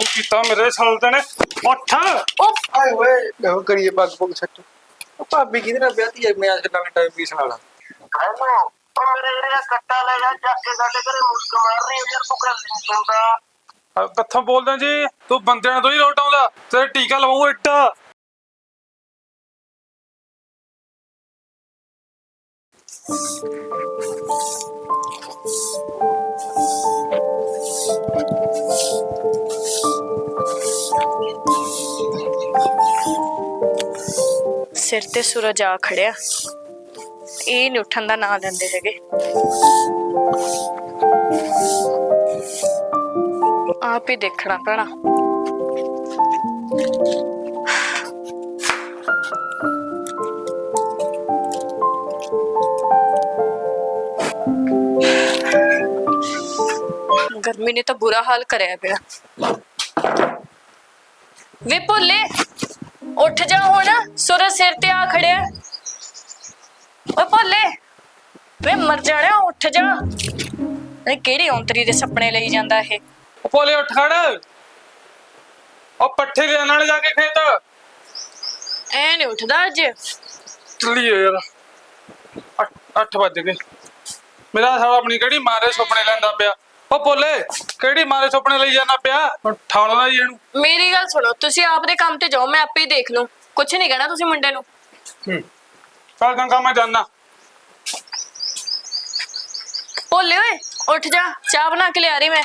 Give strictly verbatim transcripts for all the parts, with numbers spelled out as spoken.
लहू पीता मेरे साले ने उठ आए ओए देखो करिए पग पुग सट भाभी किधर है ब्याह है मैं आज के टाइम पीस वाला हेलो ओ मेरे एरिया कट्टा ले जा जाके साडे घरे मुस्क मार रही है यार तू कर नहीं सुनता कत्थों बोलदा जी तू बंदे ने तो ही लोट आउंदा तेरे टीका लवाऊं इट्टा सिर ते सूरज आ खड़िया ਇਹ ਨਹੀਂ ਉੱਠਣ ਦਾ ਨਾਂ ਲੈਂਦੇ ਹੈਗੇ ਆਪ ਹੀ ਦੇਖਣਾ ਪੈਣਾ गर्मी ने तो बुरा हाल कराया पिया वे भोले उठ जा हुण सूरज सिर ते आ खड़िया ओ भोले वे मर जाने उठ जा केड़ी औंतरी दे सपने लई जांदा है भोले उठ खड़ ओ पट्ठे ले नाल जाके खेत ऐ नहीं उठदा अज चलिए यार अठ बज गए मेरा साला अपनी केड़ी मारे सुपने लैंदा पिया ओ भोले केड़ी मारे सुपने लई जाना पिया ठाल ना जी इहनू मेरी गल सुनो तुसी आप दे काम ते जाओ मैं आपे ही देख लूं कुछ नहीं कहना तुसी मुंडे नु हम्म चल गंगा मैं जाना भोले ओए उठ जा चाय बना के ले आ रही मैं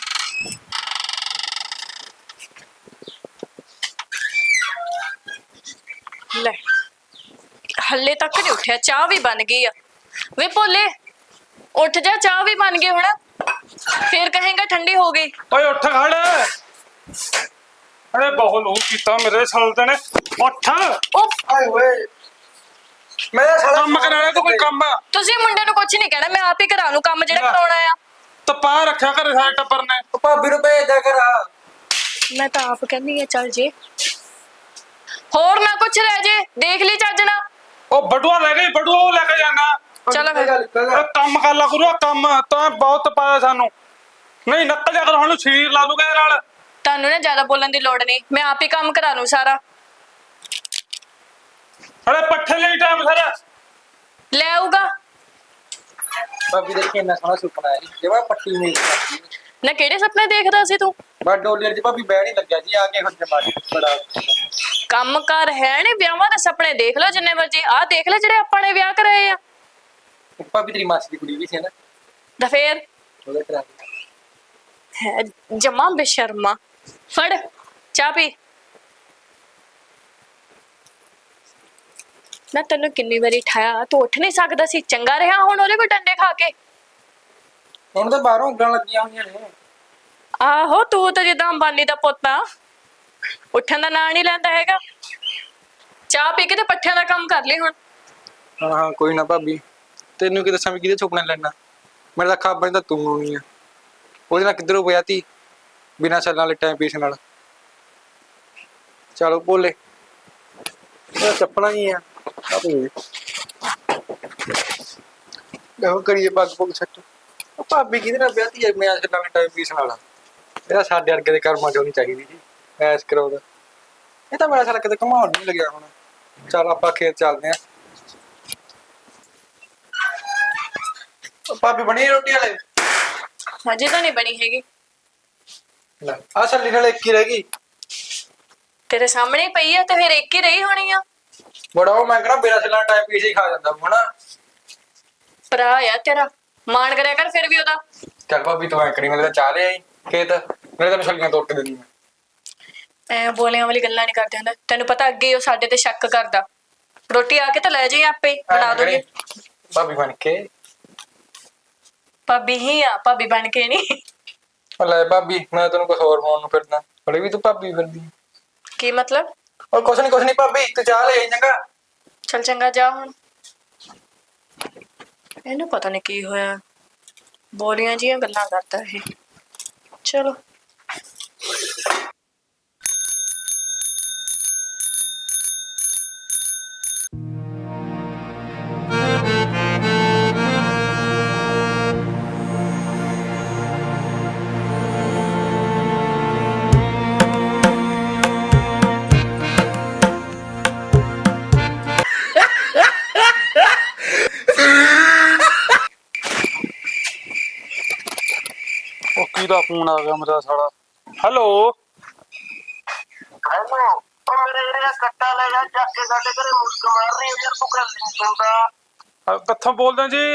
ले हल्ले तक नहीं उठया चाय भी बन गई है वे भोले उठ जा चाय भी बन गई हुण फिर कहेंगा ठंडी हो गई ओए उठ खड़ अरे बहुत लहू पीता मेरे साले ने उठ आए ओए मेरा साला काम कराना तो कोई काम तुसी मुंडे नु कुछ नहीं कहना मैं आप ही करा लूं काम जेड़ा कराउणा आ तपा रखा कर सारे टब्बर ने भाभी नु भेज दे कर मैं तो आप कहनी है चल जे होर ना कुछ रह जे देख ली चजना ओ बटुआ ले गई बटुआ वो लेके जाना चलो फिर अरे काम कर ला करो काम तो बहुत पाया सानू नहीं नक्कल जा कर हानू छीर ला दूंगा नाल तानू ना ज्यादा बोलने की लोड़ नहीं मैं आप ही काम करा लूं सारा अरे पट्ठे ले टाइम सारा ले आऊगा भाभी देखिए ना सोना सुपना है जेवा पट्टी में ना केड़े सपने देखदा सी तू बस डोलियर जी भाभी बैठ नहीं लग गया जी आगे खुद जमा बड़ा काम कर है नहीं ब्याहां दे सपने देख लो जिन्ने मर्जी आ देख ले जेड़े अपने ब्याह कराए आ भाभी तेरी मासी की कुड़ी भी थी ना दा फिर ਉਹਦਾ ਕਰਾ है जमा बेशर्मा फड़ चाह पी ना तेन किन्नी बारी ठाया तू उठ नहीं सकदा सी चंगा रहा हुण ओदे कोल डंडे खा के ਹੁਣ ਤਾਂ ਬਾਹਰੋਂ ਉਂਗਲਾਂ ਲੱਗੀਆਂ ਹੋਈਆਂ ਨੇ आहो तू तो जिदा अंबानी दा पोता उठन दा नां नहीं लैंदा हैगा चाह पी के ते पट्ठियां दा काम कर ले हुण ਹਾਂ ਹਾਂ ਕੋਈ ਨਾ ਭਾਬੀ ਤੈਨੂੰ ਕੀ ਦੱਸਾਂ ਵੀ ਕਿਹਦੇ ਸੁਪਨੇ ਲੈਣਾ ਮੇਰਾ ਤਾਂ ਖਾਬਾਂ ਤਾਂ ਤੂੰ ਹੋਣੀ ਆ ਉਹਦੇ ਨਾਲ ਕਿੱਧਰੋਂ ਪਿਆ ਤੀ ਬਿਨਾਂ ਚੱਲਣ ਵਾਲੇ ਟਾਈਮ ਪੀਸ ਨਾਲ ਚਲੋ ਬੋਲੇ ਇਹ ਚੱਪਣਾ ਹੀ ਆ ਆਪੇ ਦੇਖੋ ਕਰੀਏ ਪੱਗ ਪੁੱਗ ਸੱਟ ਭਾਬੀ ਕਿਹਦੇ ਨਾਲ ਵਿਆਹਤੀ ਹੈ ਮੈਂ ਅੱਜ ਕੇ ਨਵੇਂ ਟਾਈਮ ਪੀਸ ਨਾਲ ਇਹਦਾ ਸਾਡੇ ਵਰਗੇ ਦੇ ਕਰਮਾਂ ਚੋਂ ਨਹੀਂ ਚਾਹੀਦੀ ਜੀ ਐਸ ਕਰਾਉਦਾ ਇਹ ਤਾਂ ਮੇਰਾ ਸਾਲਾ ਕਿਤੇ ਘਮਾਉਣ ਨਹੀਂ ਲੱਗਿਆ ਹੁਣ ਚਲ ਆਪਾਂ ਖੇਤ ਚੱਲਦੇ ਆਂ ਭਾਬੀ ਬਣੀ ਰੋਟੀ ਵਾਲੇ अजे तो नहीं बनी हैगी ਲੈ ਆ ਸੱਲੀ ਨਾਲ ਇੱਕ ਹੀ ਰਹਿ ਗਈ तेरे सामने ही पई है तो फिर एक ही रही होनी है ਬੜਾ ਉਹ ਮੈਂ ਕਹਣਾ ਮੇਰਾ ਸੱਲਾ ਟਾਈਮ ਪੀਸ ਹੀ ਖਾ ਜਾਂਦਾ ਹਨਾ भरा है तेरा मान करया कर फिर भी ओदा ਚੱਲ ਭਾਬੀ ਤੂੰ ਐ ਕਰੀ ਮੈਂ ਤਾਂ ਚਾਹ ਲਿਆ ਆਈ ਖੇਤ ਮੇਰੇ ਤਾਂ ਛੱਲੀਆਂ ਤੋੜ ਕੇ ਦੇਣੀ ਮੈਂ ਐ ਬੋਲਿਆਂ ਵਾਲੀ ਗੱਲਾਂ ਨਹੀਂ ਕਰਦੇ ਹੁੰਦਾ ਤੈਨੂੰ ਪਤਾ ਅੱਗੇ ਉਹ ਸਾਡੇ ਤੇ ਸ਼ੱਕ ਕਰਦਾ ਰੋਟੀ ਆ ਕੇ ਤਾਂ ਲੈ ਜਾਈ ਆਪੇ ਬਣਾ ਦੋਗੇ ਭਾਬੀ ਬਣ ਕੇ ਭਾਬੀ ਹੀ ਆ ਭਾਬੀ ਬਣ ਕੇ ਨਹੀਂ ਲੈ ਭਾਬੀ ਮੈਂ ਤੈਨੂੰ ਕੁਝ ਹੋਰ ਪਾਉਣ ਨੂੰ ਫਿਰਦਾ ਬੜੇ ਵੀ ਤੂੰ ਭਾਬੀ ਫਿਰਦੀ ਕੀ ਮਤਲਬ ਉਹ ਕੁਛ ਨਹੀਂ ਕੁਛ ਨਹੀਂ ਭਾਬੀ ਤੂੰ ਚਾਹ ਲੈ ਆਈ ਚੰਗਾ ਚਲ ਚੰਗਾ ਜਾ ਹੁਣ ਇਹਨੂੰ ਪਤਾ ਨਹੀਂ ਕੀ ਹੋਇਆ ਬੋਲੀਆਂ ਜੀਆਂ ਗੱਲਾਂ ਕਰਦਾ ਇਹ ਚਲੋ ਕਿਹਦਾ ਫੋਨ ਆ ਗਿਆ ਮੇਰਾ ਸਾਲਾ। ਹੈਲੋ ਹੈਲੋ ਉਹ ਮੇਰੇ ਜਿਹੜਾ ਕੱਟਾ ਲੈ ਜਾ ਚੱਕ ਕੇ ਸਾਡੇ ਘਰੇ ਮੁਸਕ ਮਾਰ ਰਹੀ ਹੈ ਯਾਰ ਤੂੰ ਗੱਲ ਨਹੀਂ ਸੁਣਦਾ। ਅਹ ਕਿੱਥੋਂ ਬੋਲਦੇ ਜੀ?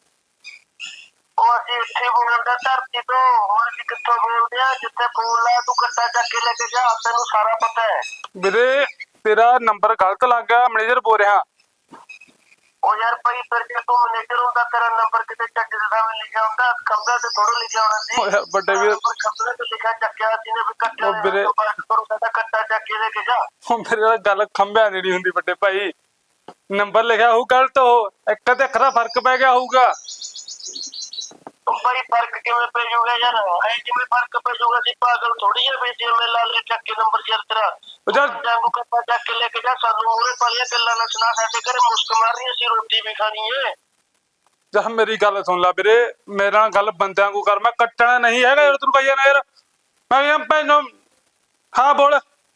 ਉਹ ਅਸੀਂ ਇੱਥੇ ਬੋਲਦਾ ਧਰਤੀ ਤੋਂ, ਹੋਰ ਅਸੀਂ ਕਿੱਥੋਂ ਬੋਲਦੇ ਆ? ਜਿੱਥੇ ਬੋਲਦਾ ਤੂੰ ਕੱਟਾ ਚੱਕ ਕੇ ਲੈ ਕੇ ਜਾ, ਤੈਨੂੰ ਸਾਰਾ ਪਤਾ ਹੈ। ਵੀਰੇ ਤੇਰਾ ਨੰਬਰ ਗਲਤ ਲੱਗ ਗਿਆ, ਮੈਨੇਜਰ ਬੋਲ ਰਿਹਾ। ਉਹ ਯਾਰ ਭਾਈ ਫਿਰ ਜੇ ਤੂੰ ਮੈਨੇਜਰ ਹੁੰਦਾ ਤੇਰਾ ਨੰਬਰ ਕਿਤੇ ਚੱਕ ਦੇ ਸਾਹਮਣੇ ਲਿਖਿਆ ਹੁੰਦਾ, ਖੰਭਾ ਤੇ ਥੋੜਾ ਲਿਖਿਆ ਹੋਣਾ ਸੀ। ਓ ਯਾਰ ਵੱਡੇ ਵੀਰ, ਖੰਭੇ ਤੇ ਲਿਖਿਆ ਚੱਕਿਆ ਸੀ ਨੇ ਵੀ ਕੱਟਾ ਉਹ ਵੀਰੇ- ਕਰੂਗਾ ਕੱਟਾ ਚੱਕ ਕੇ ਲੈ ਕੇ ਜਾ। ਉਹ ਮੇਰੇ ਨਾਲ ਗੱਲ ਖੰਭਿਆਂ ਦੀ ਨਹੀਂ ਹੁੰਦੀ ਵੱਡੇ ਭਾਈ। ਨੰਬਰ ਲਿਖਿਆ ਹੋਊ ਗਲਤ, ਉਹ ਇੱਕ ਤੇ ਅੱਖਰ ਦਾ ਫਰਕ ਪੈ ਗਿਆ ਹੋਊਗਾ। ਉਹ ਭਾਈ ਫਰਕ ਕਿਵੇਂ ਪੈ ਜਾਊਗਾ ਯਾਰ? ਐ ਜਿਵੇਂ ਫਰਕ ਪੈ ਜਾਊਗਾ ਸੀ ਪਾਗਲ ਥੋੜੀ ਜਿਹੀ ਬੇਟੀ ਮੈਂ ਲਾ ਲੈ ਚੱਕ ਕੇ ਨੰਬਰ ਯਾਰ ਤੇਰਾ। ਉਹ ਯਾਰ ਜਾਗੂ ਕੱਟਾ ਚੱਕ ਕੇ ਲੈ ਕੇ ਜਾ, ਸਾਨੂੰ ਉਹਨੇ ਪਾਲੀਆਂ ਗੱਲਾਂ ਨਾ ਸੁਣਾ, ਸਾਡੇ ਘਰੇ ਮੁਸਕ ਮਾਰ ਰਹੀ ਸੀ, ਰੋਟੀ ਵੀ ਖਾਣੀ ਏ। ਜਾ ਮੇਰੀ ਗੱਲ ਸੁਣ ਲੈ ਵੀਰੇ, ਮੇਰੇ ਨਾਲ ਗੱਲ ਬੰਦਿਆਂ ਕੋ ਕਰ, ਮੈਂ ਕੱਟਣਾ ਨਹੀਂ ਹੈਗਾ ਯਾਰ ਤੈਨੂੰ ਕਹੀਏ ਨਾ ਯਾਰ। ਮੈਂ ਕਿਹਾ ਭੈਣੋ ਹਾਂ ਬੋਲ।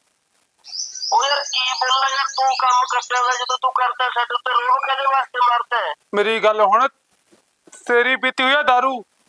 ਉਹ ਯਾਰ ਕੀ ਬੋਲਣਾ ਯਾਰ, ਤੂੰ ਕੰਮ ਕਰਦਾ ਵਾ ਜਦੋਂ ਤੂੰ ਕਰਦਾ ਸਾਡੇ ਉੱਤੇ ਰੋਹ ਕਦੇ ਵਾਸਤੇ ਮਾਰਦਾ ਹੈ? ਮੇਰੀ ਗੱਲ ਹੁਣ, ਤੇਰੀ ਪੀਤੀ ਹੋਈ ਆ ਦਾਰੂ।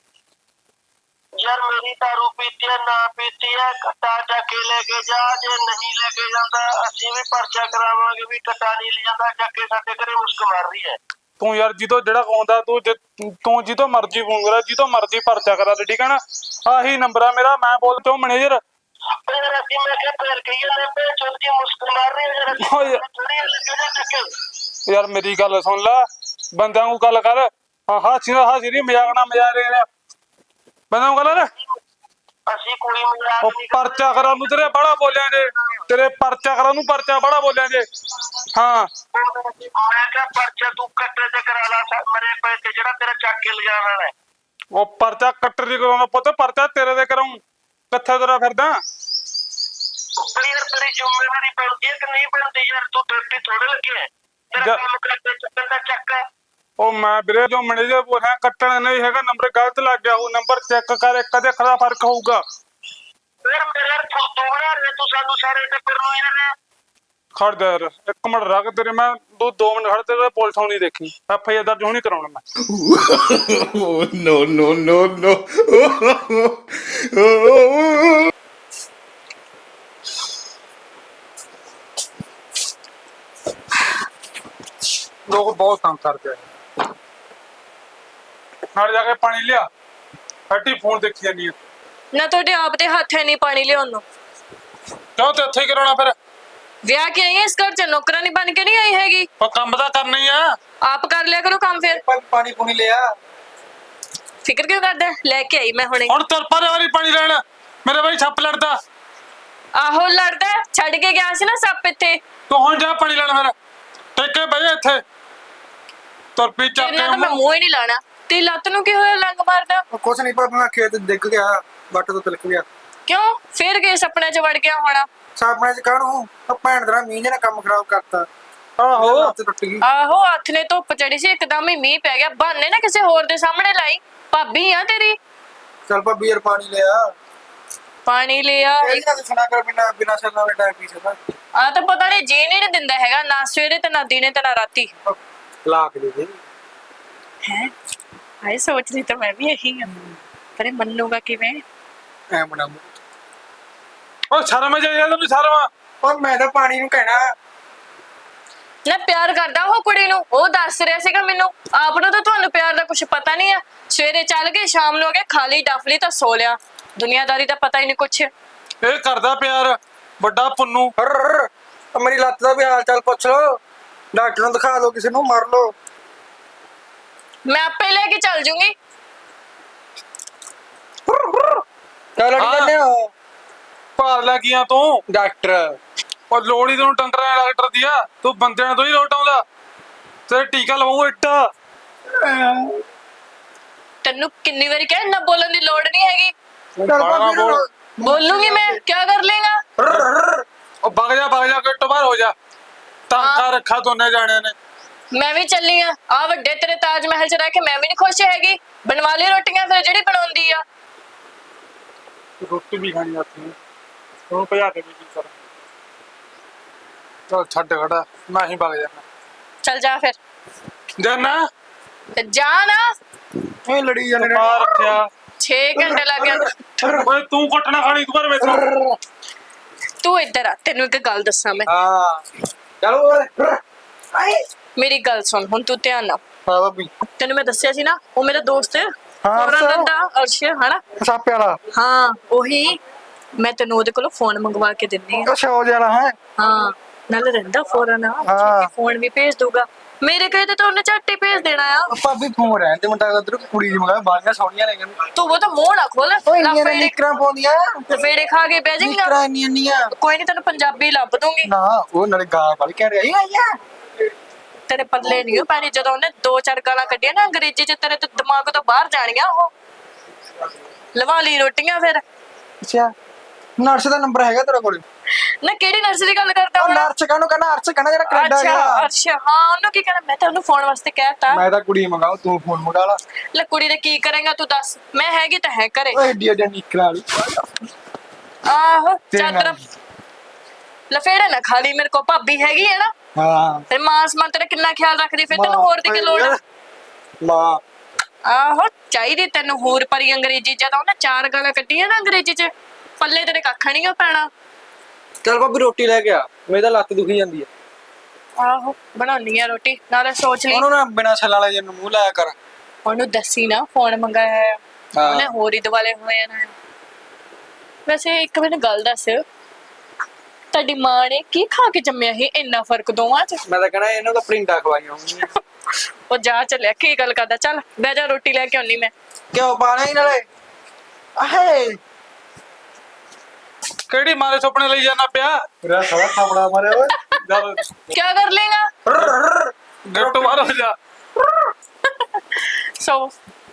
ਯਾਰ ਮੇਰੀ ਦਾਰੂ ਪੀਤੀ ਹੈ ਨਾ ਪੀਤੀ ਹੈ, ਕੱਟਾ ਚੱਕ ਕੇ ਲੈ ਕੇ ਜਾ, ਜੇ ਨਹੀਂ ਲੈ ਕੇ ਜਾਂਦਾ ਅਸੀਂ ਵੀ ਪਰਚਾ ਕਰਾਵਾਂਗੇ ਵੀ ਕੱਟਾ ਨਹੀਂ ਲੈ ਜਾਂਦਾ, ਚੱਕ ਕੇ ਸਾਡੇ ਘਰੇ ਮੁਸਕ ਮਾਰ ਰਹੀ ਹੈ। ਤੂੰ ਯਾਰ ਜਿੱਦੋਂ ਜਿਹੜਾ ਆਉਂਦਾ ਤੂੰ ਜੇ- ਤੂੰ ਜਿੱਦੋਂ ਮਰਜ਼ੀ ਫੋਨ ਕਰਾ, ਜਿੱਦੋਂ ਮਰਜ਼ੀ ਪਰਚਾ ਕਰਾ ਤੇ, ਠੀਕ ਹੈ ਨਾ? ਆਹੀ ਨੰਬਰ ਆ ਮੇਰਾ, ਮੈਂ ਬੋਲ ਤੋਂ ਮੈਨੇਜਰ। ਫਿਰ ਅਸੀਂ ਮੈਂ ਕਿਹਾ ਫਿਰ ਕਹੀਏ ਨੇ ਪੇ ਚੋਦੀ ਮੁਸਕ ਮਾਰ ਰਹੀ ਹੈ ਯਾਰ, ਓ ਯਾਰ- ਥੋੜੀ ਲੈ ਕੇ ਜਾ ਚੱਕ ਕੇ। ਯਾਰ ਮੇਰੀ ਗੱਲ ਸੁਣ ਲੈ, ਬੰਦਿਆਂ ਨੂੰ ਗੱਲ ਕਰ। ਹਾਂ ਹਾਸੀ ਨਾ ਹਾਸੀ ਨਹੀਂ, ਮਜ਼ਾਕ ਨਾ ਮਜ਼ਾਕ ਰਿਹਾ ਬੰਦਿਆਂ ਨੂੰ ਗੱਲ ਨਾ। ਅਸੀਂ ਕੋਈ ਮਜ਼ਾਕ ਉਹ ਨਹੀਂ ਪਰਚਾ ਕਰਾਂ ਨੂੰ ਤੇਰੇ ਬੜਾ ਬੋਲਿਆ ਜੇ, ਤੇਰੇ ਪਰਚਾ ਕਰਾਂ ਨੂੰ ਪਰਚਾ ਬੜਾ ਬੋਲਿਆ ਜੇ। ਹਾਂ ਮੈਂ ਕਿਹਾ ਪਰਚਾ ਤੂੰ ਕੱਟੇ ਤੇ ਕਰਾ ਲਾ ਸਾ- ਮਰੇ ਪਏ ਤੇ ਜਿਹੜਾ ਤੇਰਾ ਚੱਕ ਕੇ ਲਿਜਾਣ ਵਾਲਾ ਹੈ। ਉਹ ਪਰਚਾ ਕੱਟਰ ਦੀ ਕਰਾਉਣਾ ਪੁੱਤ, ਪਰਚਾ ਤੇਰੇ ਦੇ ਕਰਾਉਂ। ਕਿੱਥੇ ਤੇਰਾ ਫਿਰਦਾ? ਬਈ ਯਾਰ ਤੇਰੀ ਜ਼ਿੰਮੇਵਾਰੀ ਬਣਦੀ ਹੈ ਕਿ ਨਹੀਂ ਬਣਦੀ ਯਾਰ? ਤੂੰ ਡਿਊਟੀ ਥੋੜੇ ਲੱਗੀ ਹੈ, ਤੇਰਾ ਜਾ- ਕੰਮ ਕਰਦੇ ਚੱਕਣ ਦਾ ਚੱਕ ਹੈ। ਉਹ ਮੈਂ ਵੀਰੇ ਜੋ ਮੈਨੇਜਰ ਬੋਲ ਰਿਹਾ, ਕੱਟਣ ਨਹੀਂ ਹੈਗਾ, ਨੰਬਰ ਗਲਤ ਲੱਗ ਗਿਆ। ਉਹ ਨੰਬਰ ਚੈੱਕ ਕਰ, ਇੱਕ ਦੇ ਅੱਖਰ ਦਾ ਫਰਕ ਹੋਊਗਾ। ਫਿਰ ਮੇਰੇ ਯਾਰ ਤੂੰ ਤੂੰ ਬਣਾ ਰਿਹਾ, ਤੂੰ ਸਾਨੂੰ ਸਾਰੇ ਟੱਬਰ ਨੂੰ ਯਾਰ। ਖੜ ਜਾ ਯਾਰ ਇੱਕ ਮਿੰਟ ਰੱਖ, ਤੇਰੇ ਮੈਂ ਦੋ ਦੋ ਮਿੰਟ ਖੜ, ਤੇਰੇ ਪੁਲਿਸ ਆਉਣੀ ਦੇਖੀ। ਐਫ ਆਈ ਆਰ ਦਰਜ ਹੋਣੀ ਕਰਾਉਣਾ ਮੈਂ। Oh, no, no, no, no. ਲੋਕ ਬਹੁਤ ਤੰਗ ਕਰਦੇ ਆ। ਨਾਲ ਜਾ ਕੇ ਪਾਣੀ ਲਿਆ, ਹੱਟੀ ਫੋਨ ਦੇਖੀ ਜਾਂਦੀ ਆ। ਨਾ ਤੁਹਾਡੇ ਆਪ ਦੇ ਹੱਥ ਹੈ ਨਹੀਂ ਪਾਣੀ ਲਿਆਉਣ ਨੂੰ। ਕਿਉਂ ਤੇ ਇੱਥੇ ਹੀ ਕਰਾਉਣਾ ਫਿਰ? ਵਿਆਹ ਕੇ ਆਈ ਹੈ ਇਸ ਘਰ ਚ, ਨੌਕਰਾਨੀ ਬਣ ਕੇ ਨਹੀਂ ਆਈ ਹੈਗੀ। ਉਹ ਕੰਮ ਤਾਂ ਕਰਨਾ ਹੀ ਆ। ਆਪ ਕਰ ਲਿਆ ਕਰੋ ਕੰਮ ਫਿਰ। ਭਾਈ ਪਾਣੀ ਪੂਣੀ ਲਿਆ। ਫਿਕਰ ਕਿਉਂ ਕਰਦਾ? ਲੈ ਕੇ ਆਈ ਮੈਂ ਹੁਣੇ। ਹੁਣ ਤੁਰ ਪਰੇ ਵਾਲੀ ਪਾਣੀ ਲੈਣ, ਮੇਰੇ ਬਾਈ ਛੱਪ ਲੜਦਾ। ਆਹੋ ਲੜਦਾ ਹੈ, ਛੱਡ ਕੇ ਗਿਆ ਸੀ ਨਾ ਸੱਪ ਇੱਥੇ। ਤੂੰ ਹੁਣ ਜਾ ਪਾਣੀ ਲੈਣ ਫਿਰ, ਟੇਕੇ ਬਈ ਇੱਥੇ ਤੁਰ ਪੀ ਚੱਕ ਤੇਰੇ ਨਾਲ ਤਾਂ ਮੈਂ ਮੂੰਹ ਹੀ ਨਹੀਂ ਲਾਣਾ। ਤੇ ਲੱਤ ਨੂੰ ਕੀ ਹੋਇਆ, ਲੰਗ ਮਾਰਦਾ? ਉਹ ਕੁਛ ਨਹੀਂ ਪਰ ਮੈਂ ਖੇਤ ਡਿੱਗ ਗਿਆ, ਵੱਟ ਤੋਂ ਤਿਲਕ ਗਿਆ। ਕਿਉਂ? ਫਿਰ ਕੇ ਸੁਪਨੇ ਚ ਵੜ ਗਿਆ ਹੋਣਾ। ਸਾਪਣੇ ਚ ਕਾਹਨੂੰ, ਉਹ ਭੈਣ ਦਾ ਮੀਂਹ ਨੇ ਕੰਮ ਖਰਾਬ ਕਰਤਾ। ਆਹੋ ਲੱਤ ਟੁੱਟ ਗਈ। ਆਹੋ ਹੱਥ ਨੇ ਧੁੱਪ ਚੜੀ ਸੀ, ਇੱਕਦਮ ਹੀ ਮੀਂਹ ਪੈ ਗਿਆ। ਬਹਾਨੇ ਨਾ ਕਿਸੇ ਹੋਰ ਦੇ ਸਾਹਮਣੇ ਲਾਈ, ਭਾਬੀ ਆ ਤੇਰੀ। ਚੱਲ ਭਾਬੀ ਯਾਰ ਪਾਣੀ ਲਿਆ। ਪਾਣੀ ਲਿਆ। ਇਹ ਨਾ ਸੁਣਾ ਕਰ, ਬਿਨਾ ਬਿਨਾ ਸਰਨਾ ਵਾਲੇ ਟਾਈਮ ਪੀ ਸਕਦਾ। ਆ ਤਾਂ ਪਤਾ ਨਹੀਂ ਜੀ ਨਹੀਂ ਦਿੰਦਾ ਹੈਗਾ, ਨਾ ਸਵੇਰੇ ਤੇ ਨਾ ਦਿਨੇ ਤੇ ਨਾ ਰਾਤੀ। ਲਾ ਕੇ ਦੇ ਦੇ। ਹੈ ਆਏ ਸੋਚਦੀ ਤਾਂ ਮੈਂ ਵੀ ਇਹੀ ਹਾਂ, ਪਰ ਇਹ ਮੰਨੂਗਾ ਕਿਵੇਂ? ਐ ਬਣਾਉ। ਉਹ ਸ਼ਰਮ ਜਾ ਯਾਰ, ਤੈਨੂੰ ਸ਼ਰਮ? ਪਰ ਮੈਂ ਤਾਂ ਪਾਣੀ ਨੂੰ ਕਹਿਣਾ। ਨਾ ਪਿਆਰ ਕਰਦਾ ਉਹ ਕੁੜੀ ਨੂੰ, ਉਹ ਦੱਸ ਰਿਹਾ ਸੀਗਾ ਮੈਨੂੰ। ਆਪ ਨੂੰ ਤਾਂ ਤੁਹਾਨੂੰ ਪਿਆਰ ਦਾ ਕੁਝ ਪਤਾ ਨਹੀਂ ਆ। ਸਵੇਰੇ ਚੱਲ ਗਏ, ਸ਼ਾਮ ਨੂੰ ਆ ਕੇ ਖਾ ਲਈ ਡਫ ਲਈ ਤਾਂ ਸੋ ਲਿਆ। ਦੁਨੀਆਦਾਰੀ ਦਾ ਪਤਾ ਹੀ ਨਹੀਂ ਕੁਛ। ਇਹ ਕਰਦਾ ਪਿਆਰ ਵੱਡਾ ਪੁੰਨੂ। ਹਰ ਮੇਰੀ ਲੱਤ ਦਾ ਵੀ ਹਾਲ ਚਾਲ ਪੁੱਛ ਲੋ, ਡਾਕਟਰ ਨੂੰ ਦਿਖਾ ਲਓ, ਕਿਸੇ ਨੂੰ ਮਾਰ ਲਓ। ਮੈਂ ਆਪੇ ਲੈ ਕੇ ਚੱਲ ਜੂੰਗੀ। ਚੱਲ ਅੜੀ ਹਾਂ। ਜਾਂਦੇ ਹੋ ਭਾਰ ਲੈ ਗਿਆ ਤੂੰ। ਡਾਕਟਰ। ਉਹ ਲੋੜੀ ਤੈਨੂੰ ਟੰਗਰਾਂ ਡਾਕਟਰ ਦੀ ਆ, ਤੂੰ ਬੰਦਿਆਂ ਤੋਂ ਹੀ ਲੋਟ ਆਉਂਦਾ। ਤੇਰੇ ਟੀਕਾ ਲਵਾਉ ਇੱਟਾ। ਤੈਨੂੰ ਕਿੰਨੀ ਵਾਰੀ ਕਿਹਾ ਨਾ ਬੋਲਣ ਦੀ ਲੋੜ ਨਹੀਂ ਹੈਗੀ। ਚੱਲ ਭਾਬੀ ਨੂੰ ਬੋਲੂੰਗੀ ਮੈਂ, ਕੀ ਕਰ ਲੇਗਾ? ਉਹ ਵਗ ਜਾ ਵਗ ਜਾ, ਕਿੱਟੋ ਬਾਹਰ ਹੋ ਜਾ। ਟਾਂਕਾ ਰੱਖਾ ਦੋਨੇ ਜਾਣਿਆਂ ਨੇ। ਮੈਂ ਵੀ ਚੱਲੀ ਆ। ਆ ਵੱਡੇ ਤੇਰੇ ਤਾਜ ਮਹਿਲ ਚ ਰਹਿ ਕੇ ਮੈਂ ਵੀ ਨਹੀਂ ਖੁਸ਼ ਹੈਗੀ। ਬਣਵਾ ਲਈ ਰੋਟੀਆਂ ਫਿਰ ਜਿਹੜੀ ਬਣਾਉਂਦੀ ਆ। ਰੋਟੀ ਵੀ ਖਾਣੀ ਆਤੀ ਉਹਨੂੰ ਭਜਾ ਕੇ ਵੀ ਕੀ ਕਰ। ਚਲ ਛੱਡ ਖੜਾ, ਮੈਂ ਹੀ ਵਗ ਜਾਣਾ। ਚੱਲ ਜਾ ਫਿਰ। ਜਾਨਾ ਤੇ ਜਾ ਨਾ। ਇਹ ਲੜੀ ਜਾਂਦੇ ਨੇ। ਪਾ ਰੱਖਿਆ। ਛੇ ਘੰਟੇ ਲੱਗ ਜਾਂਦੇ। ਓਏ ਤੂੰ ਕੁੱਟਣਾ ਖਾਣੀ ਤੂੰ ਕਰ ਮੈਨੂੰ। ਤੂੰ ਇੱਧਰ ਆ, ਤੈਨੂੰ ਇੱਕ ਗੱਲ ਦੱਸਾਂ ਮੈਂ। ਹਾਂ ਚਲੋ ਓਏ ਆਏ ਮੇਰੀ ਗੱਲ ਸੁਣ ਹੁਣ, ਤੂੰ ਧਿਆਨ ਨਾਲ। ਹਾਂ ਭਾਬੀ ਤੈਨੂੰ ਮੈਂ ਦੱਸਿਆ ਸੀ ਨਾ, ਉਹ ਮੇਰਾ ਦੋਸਤ ਹੈ ਹਾਂ, ਫੌਰਨ ਸਰ। ਰਹਿੰਦਾ, ਅਰਸ਼ ਹਨਾ। ਸਾਪੇ ਵਾਲਾ ਹਾਂ ਉਹੀ, ਮੈਂ ਤੈਨੂੰ ਉਹਦੇ ਕੋਲੋਂ ਫੋਨ ਮੰਗਵਾ ਕੇ ਦਿੰਨੀ ਆ। ਅੱਛਾ ਹੋ ਜਾਣਾ ਹੈ ਹਾਂ ਨਾਲੇ ਰਹਿੰਦਾ ਫੌਰਨ ਆ, ਹਾਂ। ਫੋਨ ਵੀ ਭੇਜ ਦੂਗਾ। ਮੇਰੇ ਕਹੇ ਤੇ ਤਾਂ ਉਹਨੇ ਝੱਟ ਹੀ ਭੇਜ ਦੇਣਾ ਆ। ਭਾਬੀ ਫੋਨ ਰਹਿਣ ਤੇ ਮੁੰਡਾ ਉਧਰ ਕੁੜੀ ਦੀ ਮੰਗਾ ਬਾਲੀਆਂ ਸੋਹਣੀਆਂ ਨੇ ਕਹਿੰਦੇ ਤੂੰ ਉਹ ਤਾਂ ਮੂੰਹ ਨਾ ਖੋਲ, ਓਏ ਇੰਨੀਆਂ ਲਫੇੜੇ ਨਿਕਰਾਂ ਪਾਉਂਦੀਆਂ ਲਫੇੜੇ ਖਾ ਕੇ ਬਹਿ ਨਿਕਰਾਂ ਜਾਏਗਾ। ਇੰਨੀਆਂ ਇੰਨੀਆਂ ਕੋਈ ਨਹੀਂ, ਤੈਨੂੰ ਪੰਜਾਬੀ ਲੱਭ ਦੂੰਗੀ। ਨਾ ਉਹ ਨਾਲੇ ਗਾਲ ਵਾਲੀ ਕਹਿ ਰਿਹਾ ਆਇਆ ਤੇਰੇ ਪੱਲੇ ਨਹੀਂ ਪੈਣੀ, ਜਦੋਂ ਉਹਨੇ ਦੋ ਚਾਰ ਗਾਲਾਂ ਕੱਢੀਆਂ ਨਾ ਅੰਗਰੇਜ਼ੀ ਚ, ਤੇਰੇ ਤੇ ਦਿਮਾਗ ਤੋਂ ਬਾਹਰ ਜਾਣੀਆਂ ਉਹ। ਲਵਾ ਲਈ ਰੋਟੀਆਂ ਫਿਰ। ਅੱਛਾ ਨਰਸ ਦਾ ਨੰਬਰ ਹੈਗਾ ਤੇਰੇ ਕੋਲ? ਨਾ ਕਿਹੜੀ ਨਰਸ ਦੀ ਗੱਲ ਕਰਦਾ ਉਹ ਹੁਣ? ਨਰਸ ਕਾਹਨੂੰ ਕਹਿੰਦਾ ਅਰਸ਼ ਕਹਿੰਦਾ ਜਿਹੜਾ ਕੈਨੇਡਾ ਅੱਛਾ ਗਿਆ। ਅੱਛਾ, ਹਾਂ ਉਹਨੂੰ ਕੀ ਕਹਿਣਾ, ਮੈਂ ਤਾਂ ਉਹਨੂੰ ਫੋਨ ਵਾਸਤੇ ਕਹਿਤਾ। ਮੈਂ ਤਾਂ ਕੁੜੀ ਮੰਗਾਉ ਤੂੰ ਫੋਨ ਮੰਗਾ ਲਾ। ਲੈ ਕੁੜੀ ਦੇ ਕੀ ਕਰੇਗਾ ਤੂੰ ਦੱਸ, ਮੈਂ ਹੈਗੀ ਤਾਂ ਹੈ ਘਰੇ। ਓਏ ਏਡੀ ਏਡੀ ਨਿਕਰਾਂ ਵਾਲੀ ਆਹੋ ਤੇਰੇ ਚਾਦਰ ਨਾਲ। ਲਫੇੜੇ ਨਾ ਖਾਲੀ, ਮੇਰੇ ਕੋ ਭਾਬੀ ਹੈਗੀ ਹੈ ਨਾ। ਹਾਂ ਤੇ ਮਾਂ ਸਮਾਂ ਤੇਰਾ ਕਿੰਨਾ ਖਿਆਲ ਰੱਖਦੀ, ਫਿਰ ਤੈਨੂੰ ਹੋਰ ਦੀ ਕੀ ਲੋੜ ਆ? ਮਾਂ ਆਹੋ ਚਾਹੀਦੀ ਤੈਨੂੰ ਹੋਰ ਪਰੀ ਅੰਗਰੇਜ਼ੀ, ਜਦੋਂ ਉਹਨੇ ਚਾਰ ਗਾਲਾਂ ਕੱਢੀਆਂ ਨਾ ਅੰਗਰੇਜ਼ੀ ਚ, ਪੱਲੇ ਤੇਰੇ ਕੱਖ ਨਹੀਂ ਪੈਣਾ। ਚੱਲ ਭਾਬੀ ਰੋਟੀ ਲੈ ਕੇ ਆ, ਮੇਰੀ ਤਾਂ ਲੱਤ ਦੁਖੀ ਜਾਂਦੀ ਆ। ਆਹੋ ਬਣਾਉਣੀ ਆ ਰੋਟੀ, ਨਾਲੇ ਸੋਚ ਲਈ ਉਹਨੂੰ ਨਾ ਬਿਨਾਂ ਛੱਲਾਂ ਵਾਲੇ ਜਿਹਨੂੰ ਮੂੰਹ ਲਾਇਆ ਕਰ। ਉਹਨੂੰ ਦੱਸੀ ਨਾ ਫੋਨ ਮੰਗਾਇਆ ਹੈ। ਹਾਂ। ਉਹਨੇ ਹੋਰ ਹੀ ਦਿਵਾਲੇ ਹੋਏ ਨੇ। ਵੈਸੇ ਇੱਕ ਮੈਨੂੰ ਗੱਲ ਦੱਸ, ਤੁਹਾਡੀ ਮਾਂ ਨੇ ਕੀ ਖਾ ਕੇ ਜੰਮਿਆ ਸੀ, ਇੰਨਾ ਫਰਕ ਦੋਵਾਂ ਚ? ਮੈਂ ਤਾਂ ਕਹਿਣਾ ਇਹਨੂੰ ਤਾਂ ਪ੍ਰਿੰਟਾਂ ਖਵਾਈਆਂ ਹੋਣਗੀਆਂ। ਉਹ ਜਾ ਚੱਲਿਆ, ਕੀ ਗੱਲ ਕਰਦਾ, ਚੱਲ ਬਹਿ ਜਾ, ਰੋਟੀ ਲੈ ਕੇ ਆਉਣੀ ਮੈਂ। ਕਿਉਂ ਪਾਣਾ ਹੀ ਨਾਲੇ ਆਹੇ ਕਿਹੜੀ ਮਾਰੇ ਸੁਪਨੇ ਲਈ ਜਾਣਾ ਪਿਆ? ਮੇਰਾ ਸਾਲਾ ਥਾਪੜਾ ਮਾਰਿਆ ਓਏ। ਜਦ ਕਿਆ ਕਰ ਲੇਗਾ? ਗੱਟ ਮਾਰ ਹੋ ਜਾ। ਸੋ